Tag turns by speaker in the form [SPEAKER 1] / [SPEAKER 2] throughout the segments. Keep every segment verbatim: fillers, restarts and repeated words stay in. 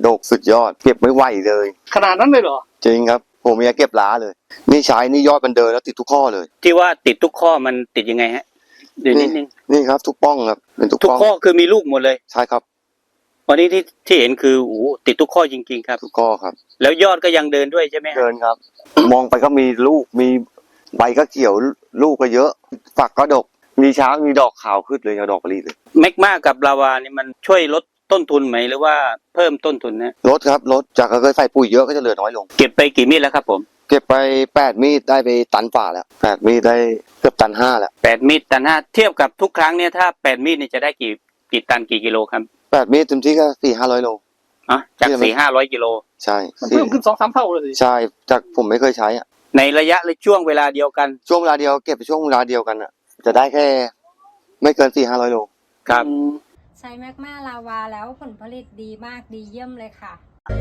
[SPEAKER 1] ดกสุดยอดเก็บไม่ไหวเลย
[SPEAKER 2] ขนาดนั้นเลยเหรอ
[SPEAKER 1] จริงครับผมอยากเก็บล้าเลยนี่ใช้นี่ยอดมันเดินแล้วติดทุกข้อเลย
[SPEAKER 3] ที่ว่าติดทุกข้อมันติดยังไงฮะเดี๋ยวนิดนึง
[SPEAKER 1] นี่ครับทุกป้องครับเป็นทุก
[SPEAKER 3] ทุกข้อคือมีลูกหมดเลย
[SPEAKER 1] ใช่ครับ
[SPEAKER 3] วันนี้ที่ที่เห็นคือโอ้ติดทุกข้อจริงๆครับ
[SPEAKER 1] ทุกข้อครับ
[SPEAKER 3] แล้วยอดก็ยังเดินด้วยใช่ไหม
[SPEAKER 1] เดินครับ มองไปก็มีลูกมีใบก็เขียวลูกก็เยอะฝักก็ดกมีช้างมีดอกขาวขึ้นเลยดอกมะลิเลย
[SPEAKER 3] แมกมากับลาวานี่มันช่วยลดต้นทุนไหมหรือว่าเพิ่มต้นทุนนะ
[SPEAKER 1] ลดครับลดจากเคยใส่ปุ๋ยเยอะก็จะเหลือน้อยลง
[SPEAKER 3] เก็บไปกี่มีดแล้วครับผม
[SPEAKER 1] เก็บไปแปดมีดได้ไปตันฝ่าแล้วแปดมีดได้เกือบตันห้าแล้ว
[SPEAKER 3] แปดมีดตันห้าเทียบกับทุกครั้งเนี่ยถ้าแปดมีดนี่จะได้กี่กี่ตันกี่กิโลครับ
[SPEAKER 1] แปดมีดเต็มที่ก็สี่ห้าร้อยโล
[SPEAKER 3] อ่ะจากสี่ห้าร้อยกิโล
[SPEAKER 1] ใช่
[SPEAKER 2] มันเพิ่มขึ้นสองสามเท่าเลย
[SPEAKER 1] ใช่จากผมไม่เคยใช้อ่ะ
[SPEAKER 3] ในระยะและช่วงเวลาเดียวกัน
[SPEAKER 1] ช่วงเวลาเดียวเก็บไปช่วงเวลาเดียวกันอ่ะจะได้แค่ไม่เกินสี่ห้าร้อยโล
[SPEAKER 3] ครับ
[SPEAKER 4] ใช้แมกมาลาวาแล้วผลผลิตดีมากดีเยี่ยมเลยค่ะ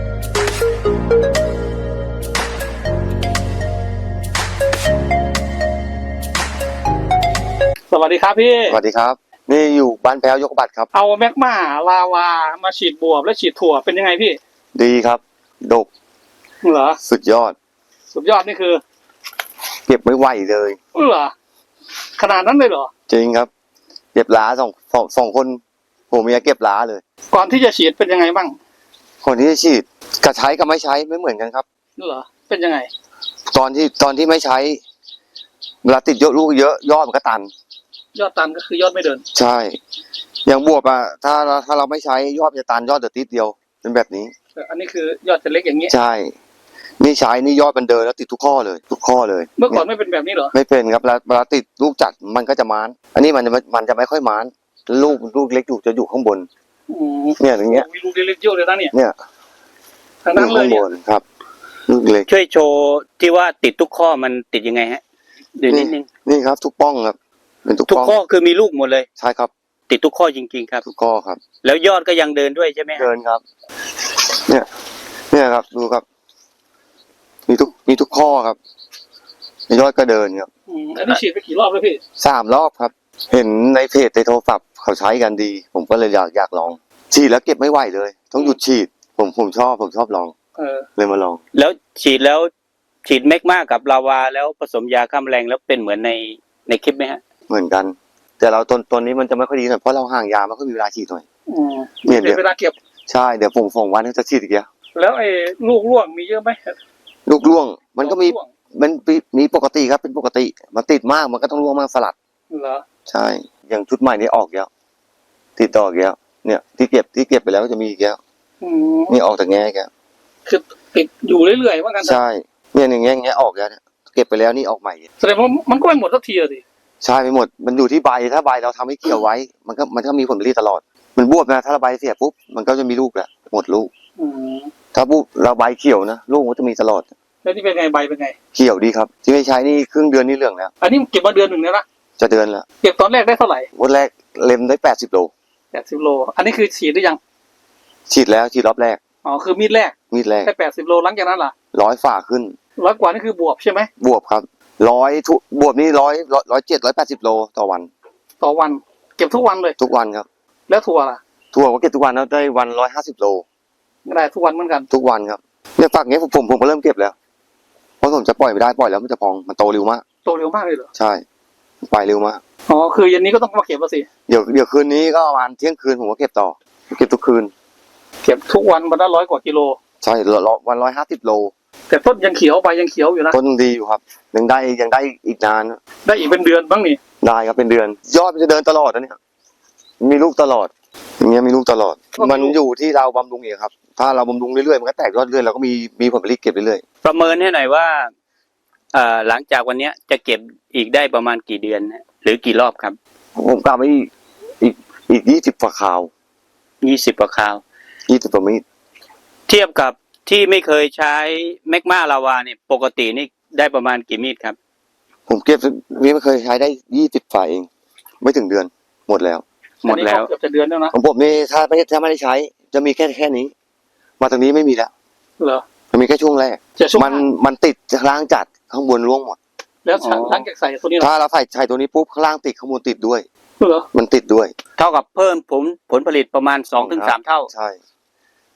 [SPEAKER 2] สวัสดีครับพี่
[SPEAKER 1] สวัสดีครับนี่อยู่บ้านแพ้วยกบัตรครับ
[SPEAKER 2] เอาแมกมาลาวามาฉีดบวบและฉีดถั่วเป็นยังไงพี่
[SPEAKER 1] ดีครับดก
[SPEAKER 2] เหรอ
[SPEAKER 1] สุดยอด
[SPEAKER 2] สุดยอดนี่คือ
[SPEAKER 1] เก็บไม่ไหวเลย
[SPEAKER 2] เหรอขนาดนั้นเลยเหรอ
[SPEAKER 1] จริงครับเก็บล้าสองสองสองคนผมอยากเก็บล้าเลย
[SPEAKER 2] ก่อนที่จะฉีดเป็นยังไงบ้าง
[SPEAKER 1] คนที่จะฉีดกับใช้กับไม่ใช้ไม่เหมือนกันครับ
[SPEAKER 2] เหรอเป็นยังไง
[SPEAKER 1] ตอนที่ตอนที่ไม่ใช้เวลาติดเยอะลูกเยอะยอดมันก็ตัน
[SPEAKER 2] ยอดตันก็คือยอดไม่เดิน
[SPEAKER 1] ใช่อย่างบวบอ่ะถ้าถ้าเราไม่ใช้ยอดจะตันยอดเดือดติดเดียวเป็นแบบนี้
[SPEAKER 2] อันนี้คือยอดจะเล็กอย่างนี้
[SPEAKER 1] ใช่นี่ใช้นี่ยอดมันเดินแล้วติดทุกข้อเลยทุกข้อเลย
[SPEAKER 2] เมื่อก่อนไม่เป็นแบบนี้เหรอ
[SPEAKER 1] ไม่เป็นครับเวลาติดลูกจัดมันก็จะม้านอันนี้มันจะมันจะไม่ค่อยม้านลูกลูกเล็กอยู่จะอยู่ข้างบนเนี่ยอย่างเงี้ย
[SPEAKER 2] มีลูกเล็กเยอะเลยนะเนี่ย
[SPEAKER 1] เนี่ย
[SPEAKER 2] ทางนั้นเลยเนี่ย
[SPEAKER 1] ครับลูกเล็ก
[SPEAKER 3] ช่วยโชว์ที่ว่าติดทุกข้อมันติดยังไงฮะเดี๋ยวนิดนึง
[SPEAKER 1] นี่ครับทุกป้องครับเป็นทุก
[SPEAKER 3] ทุกข้อคือมีลูกหมดเลย
[SPEAKER 1] ใช่ครับ
[SPEAKER 3] ติดทุกข้อจริงๆครับ
[SPEAKER 1] ทุกข้อครับ
[SPEAKER 3] แล้วยอดก็ยังเดินด้วยใช่ไหม
[SPEAKER 1] เดินครับเนี่ยเนี่ยครับดูครับมีทุกมีทุกข้อครับยอดก็เดินครับ
[SPEAKER 2] อันนี้ฉีดไปกี่รอบแล้วพี่
[SPEAKER 1] สามรอบครับเห็นในเพจในโทรศัพท์เขาใช้กันดีผมก็เลยอยากอยากลองฉีดแล้วเก็บไม่ไหวเลยต้องหยุดฉีดผมผมชอบผมชอบลอง
[SPEAKER 2] เออ
[SPEAKER 1] เลยมาลอง
[SPEAKER 3] แล้วฉีดแล้วฉีดแมกมากับลาวาแล้วผสมยาฆ่าแมลงแล้วเป็นเหมือนในในคลิปไหมฮะ
[SPEAKER 1] เหมือนกันแต่เราต้นต้นนี้มันจะไม่ค่อยดีหน่อยเพราะเราห่างยาไม่ค่อยมีเวลาฉีดหน่อย
[SPEAKER 2] เนี่ยเดี๋ยวเวลาเก็บ
[SPEAKER 1] ใช่เดี๋ยวผมส่งวันจะฉีดอีกแล้ว
[SPEAKER 2] แล้วไอ้ลูกร่วงมีเยอะไหม
[SPEAKER 1] ลูกร่วงมันก็มีมันมีปกติครับเป็นปกติมันติดมากมันก็ต้องร่วงมากสลัด
[SPEAKER 2] เหรอ
[SPEAKER 1] ใช่อย่างชุดใหม่นี้ออกแล้วติดต่ออีกแล้วเนี่ยที่เก็บที่เก็บไปแล้วก็จะมีอีกแล้วนี่ออกจากแง่แก
[SPEAKER 2] คือติดอยู่เรื่อยๆว่ากัน
[SPEAKER 1] ใช่เนี่ยอย่างเงี้ยอย่างเงี้ยออกแล้วเนี่ยเก็บไปแล้วนี่ออกใหม่
[SPEAKER 2] แสดงว่ามันก็ไม่หมดสักทีอะสิ
[SPEAKER 1] ใช่ไม่หมดมันอยู่ที่ใบถ้าใบเราทำให้เกี่ยวไว้มันก็มันก็มีผลผลิตตลอดมันบวบนะถ้าเราใบเสียปุ๊บมันก็จะมีลูกแหละหมดลูกถ้าปุ๊บเราใบเขียวนะลูกมันจะมีตลอด
[SPEAKER 2] แล้วนี่เป็นไงใบเป็นไง
[SPEAKER 1] เขียวดีครับที่ไม่ใช้นี่ครึ่งเดือนนี่เหลืองแล้ว
[SPEAKER 2] อันนี้เก็บมาเดือนหนึ่งแล้วนะ
[SPEAKER 1] จะเดือนแล้ว
[SPEAKER 2] เก็บตอนแรกได้เท่าไหร่
[SPEAKER 1] วันแรกเล็มได้แปดสิบโล
[SPEAKER 2] แปดสิบโลอันนี้คือฉีดหรือยัง
[SPEAKER 1] ฉีดแล้วฉีดรอบแรก
[SPEAKER 2] อ๋อคือมีดแรก
[SPEAKER 1] มีดแรก
[SPEAKER 2] ได้แปดสิบโลหลังจากนั้นล่ะ
[SPEAKER 1] ร้อยฝ่าขึ้น
[SPEAKER 2] ร้อยกว่านี่คือบวบใช่ไหม
[SPEAKER 1] บวบครับร้อยทุบวบนี่ร้อยร้อยเจ็ดร้อยแปดสิบโลต่อวัน
[SPEAKER 2] ต่อวันเก็บทุกวันเลย
[SPEAKER 1] ทุกวันครับ
[SPEAKER 2] แล้วถั่วล่ะ
[SPEAKER 1] ถั่วก็เก็บทุกวันแล้วได้วันร้อยห้าสิบโล
[SPEAKER 2] ได้ทุกวันเหมือนกัน
[SPEAKER 1] ทุกวันครับเนี่ยฝักนี้ผมผมผมก็เริ่มเก็บแล้วเพราะผมจะปล่อยไม่ได้ปล่อยแล้วมันจะพองมันโตเร็วมาก
[SPEAKER 2] โตเร็วมากเลยเหรอ
[SPEAKER 1] ใช่ไปเร็วมาก
[SPEAKER 2] อ๋อคือเย็นนี้ก็ต้องมาเก็บแล้วสิ
[SPEAKER 1] เดี๋ยวเดี๋ยวคืนนี้ก็ประมาณเที่ยงคืนผมก็เก็บต่อเก็บทุกคืน
[SPEAKER 2] เก็บทุกวันวันละร้อยกว่ากิโล
[SPEAKER 1] ใช่วันร้อยห้าสิบโล
[SPEAKER 2] แต่ต้นยังเขียวใบยังเขียวอยู่นะ
[SPEAKER 1] ต้นดีอยู่ครับยังได้ยังได้อีกนาน
[SPEAKER 2] ได้อีกเป็นเดือนบ้างนี่
[SPEAKER 1] ได้ครับเป็นเดือนยอดมันจะเดินตลอดนะเนี่ยมีลูกตลอดอย่างเงี้ยมีลูกตลอดมันอยู่ที่เราบำรุงเองครับถ้าเราบำรุงเรื่อยๆมันก็แตกยอดเรื่อยเราก็มีมีผลผลิตเก็บเรื่อย
[SPEAKER 3] ๆประเมินให้หน่อยว่าเอ่อหลังจากวันนี้จะเก็บอีกได้ประมาณกี่เดือนหรือกี่รอบครับ
[SPEAKER 1] ผมกะไว้อีกอีกยี่สิบฝ่าขาว
[SPEAKER 3] ยี่สิบฝ่าขาว
[SPEAKER 1] ยี่สิบฝ่ามีด
[SPEAKER 3] เทียบกับที่ไม่เคยใช้แมกมาลาวาเนี่ยปกตินี่ได้ประมาณกี่มีดครับ
[SPEAKER 1] ผมเก็บไม่เคยใช้ได้ยี่สิบฝ่าเองไม่ถึงเดือนหมดแล้ว
[SPEAKER 3] หมดแล้ว
[SPEAKER 2] เกือบจะเดือนแล้วนะ
[SPEAKER 1] ของผมนี่ถ้าไม่ถ้าไม่ได้ใช้จะมีแค่แค่นี้มาตรงนี้ไม่มีแล้ว
[SPEAKER 2] เหรอ
[SPEAKER 1] มันมีแค่ช่วงแรกมันมันติดข้างล่างจัดข้างบนร่วงหมด
[SPEAKER 2] แล้วหลังจากใส่ตัวนี้
[SPEAKER 1] ถ้าเราใส่ใส่ตัวนี้ปุ๊บข้างล่างติดข้างบนติดด้วย
[SPEAKER 2] เหรอ
[SPEAKER 1] มันติดด้วย
[SPEAKER 3] เท่ากับเพิ่มผลผลผลิตประมาณสองถึงสามเท่า
[SPEAKER 1] ใช่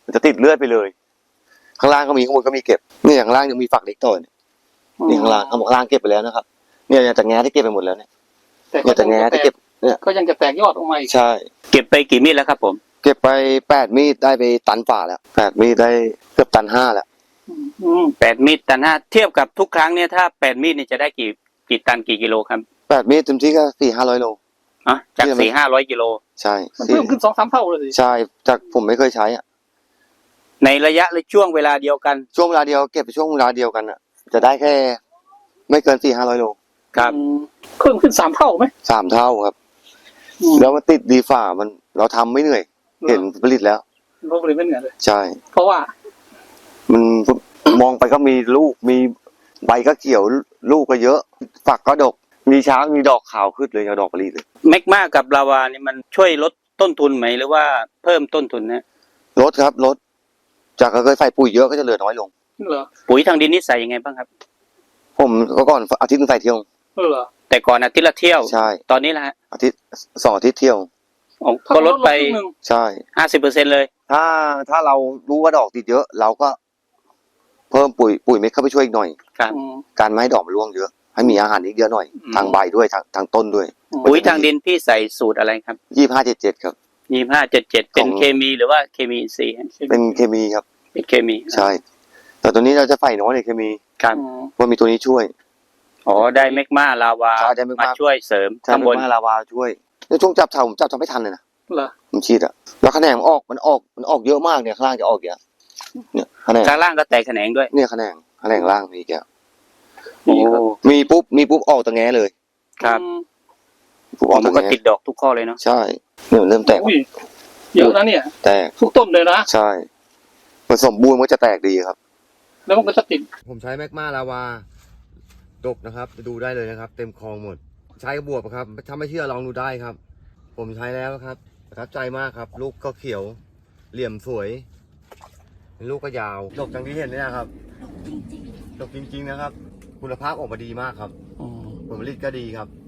[SPEAKER 1] มันจะติดเลือดไปเลย ข้างล่างก็มีข้างบนก็มีเก็บนี่ข้างล่างยังมีฝักเล็กต่อเนี่ยนี่ข้างล่างข้างล่างเก็บไปแล้วนะครับเนี่ยจะแง้ที่เก็บไปหมดแล้วเนี่ย
[SPEAKER 2] แต่
[SPEAKER 1] เนี่ยจะแง้ที่เก็บเนี่ย
[SPEAKER 2] ก็ยังจะแตกยอดออกมาอีก
[SPEAKER 1] ใช่
[SPEAKER 3] เก็บไปกี่มีดแล้วครับผม
[SPEAKER 1] เก็บไปแปดมีดได้ไปตันฝ่าแล้วแปดมีดได้เกือบตันห้าแล้ว
[SPEAKER 2] อืม
[SPEAKER 3] แปดมีดตันห้าเทียบกับทุกครั้งเนี่ยถ้าแปดมีดเนี่ยจะได้กี่กี่ตันกี่กิโลครับ
[SPEAKER 1] แปดมีดเต็มที่ก็สี่ห้าร้อยโล
[SPEAKER 3] อ่ะจากสี่ห้าร้อยกิโล
[SPEAKER 1] ใช่
[SPEAKER 2] มันเพิ่มขึ้นสองสามเท่าเลยสิ
[SPEAKER 1] ใช่จากผมไม่เคยใช้อ่ะ
[SPEAKER 3] ในระยะและช่วงเวลาเดียวกัน
[SPEAKER 1] ช่วงเวลาเดียวเก็บไปช่วงเวลาเดียวกันอ่ะ จะได้แค่ ไม่เกินสี่ห้าร้อยโล
[SPEAKER 3] ครับ
[SPEAKER 2] อืมเพิ่มขึ้นสามเท่าไหม
[SPEAKER 1] สามเท่าครับ
[SPEAKER 2] อืม
[SPEAKER 1] แล้วมันติดดีฝ่ามันเราทำไม่เหนื่อย เห็นผลิตแล้ว
[SPEAKER 2] ลบเลยไม่เหนื่อยเลย
[SPEAKER 1] ใช่
[SPEAKER 2] เพราะว่า
[SPEAKER 1] มันมองไปก็มีลูกมีใบก็เขียวลูกก็เยอะ ฝักก็ดก มีเช้ามีดอกขาวขึ้นเลยเอาดอกผลิตเลย
[SPEAKER 3] แมกมากับลาวานี่มันช่วยลดต้นทุนไหมหรือว่าเพิ่มต้นทุนนะ
[SPEAKER 1] ลดครับลดจากเคยใส่ปุ๋ยเยอะก็จะเหลือน้อยลง
[SPEAKER 2] เหรอ
[SPEAKER 3] ปุ๋ยทางดินนี่ใส่ยังไงบ้างครับ
[SPEAKER 1] ผมก็ก่อนอาทิตย์นึงใส่เที่ยว
[SPEAKER 2] เหรอ
[SPEAKER 3] แต่ก่อนอาทิตย์ละเที่ยว
[SPEAKER 1] ใช่
[SPEAKER 3] ตอนนี้ละฮะ
[SPEAKER 1] อาทิตย์สองอาทิตย์เที่ยว
[SPEAKER 3] อ๋อก็ลดไป
[SPEAKER 2] ครึ่งหนึ่ง
[SPEAKER 1] ใช่
[SPEAKER 3] ห้าสิบเปอร์เซ็นต์เลย
[SPEAKER 1] ถ้าถ้าเรารู้ว่าดอกติดเยอะ เราก็ เพิ่มปุ๋ยปุ๋ยเม็ดเข้าไปช่วยอีกหน่อย
[SPEAKER 3] ครับ
[SPEAKER 2] อืม
[SPEAKER 1] การไม่ให้ดอกมันร่วงเยอะให้มีอาหารอีกเยอะหน่อย
[SPEAKER 3] อืม
[SPEAKER 1] ทางใบด้วยทางทางต้นด้วย
[SPEAKER 3] ปุ๋ยทางดินพี่ใส่สูตรอะไรครับ
[SPEAKER 1] ยี่ห้าเจ็ดเจ็ดครับ
[SPEAKER 3] ยี่ห้าเจ็ดเจ็ดเป็น
[SPEAKER 1] ของ
[SPEAKER 3] เคมีหรือว่าเคมีอินทรีย์ฮะ
[SPEAKER 1] เป็นเคมีครับ
[SPEAKER 3] เป็นเคมี
[SPEAKER 1] ใช่ แต่ตัวนี้เราจะใส่น้อยในเคมี
[SPEAKER 3] ครับ
[SPEAKER 2] อืม
[SPEAKER 1] เพราะมีตัวนี้ช่วย
[SPEAKER 3] อ๋อได้แมกมาลาวา
[SPEAKER 1] ใช่ได้แมกมา
[SPEAKER 3] มาช่วยเสริม
[SPEAKER 1] ใช่
[SPEAKER 3] ข้างบน
[SPEAKER 1] เป็นมาลาวาช่วยในช่วงจับเถาผมจับทำไม่ทันเลยนะ
[SPEAKER 2] เหรอ
[SPEAKER 1] ผมฉีดอะแล้วคะแนนมันออกมันออกมันออกเยอะมากเนี่ยข้างล่างจะออกเยอะเนี่ยคะแนน
[SPEAKER 3] ข้างล่างก็แตกแขนงด้วย
[SPEAKER 1] เนี่ยคะแนนคะแนนล่างมีแกะ
[SPEAKER 3] โอ้
[SPEAKER 1] มีปุ๊บมีปุ๊บออกตะแงเลย
[SPEAKER 3] ครับ
[SPEAKER 2] อืม
[SPEAKER 1] ปุ๊บอ
[SPEAKER 3] อ๋
[SPEAKER 1] อ
[SPEAKER 3] อก มั
[SPEAKER 1] ตะ
[SPEAKER 3] นก็
[SPEAKER 1] แง
[SPEAKER 3] ติดดอกทุกข้อเลยเนาะ
[SPEAKER 1] ใช่เนี่ยมันเริ่มแตก
[SPEAKER 2] อุ้ยเยอะนะเนี่ย
[SPEAKER 1] แตก
[SPEAKER 2] ทุกต้นเลยนะ
[SPEAKER 1] ใช่ผสมบูรณ์มันก็จะแตกดีครับ
[SPEAKER 2] แล้วมันก็จะติด
[SPEAKER 1] ผมใช้แมกมาลาวาดกนะครับดูได้เลยนะครับ เต็มคลองหมด ใช้กระบวบครับ ถ้าไม่เชื่อลองดูได้ครับ ผมใช้แล้วครับประทับใจมากครับ ลูกก็เขียว เหลี่ยมสวยลูกก็ยาวดกจังที่เห็นเนี่ยนะครับดกจริงๆนะครับ คุณภาพออกมาดีมากครับผลผลิตก็ดีครับ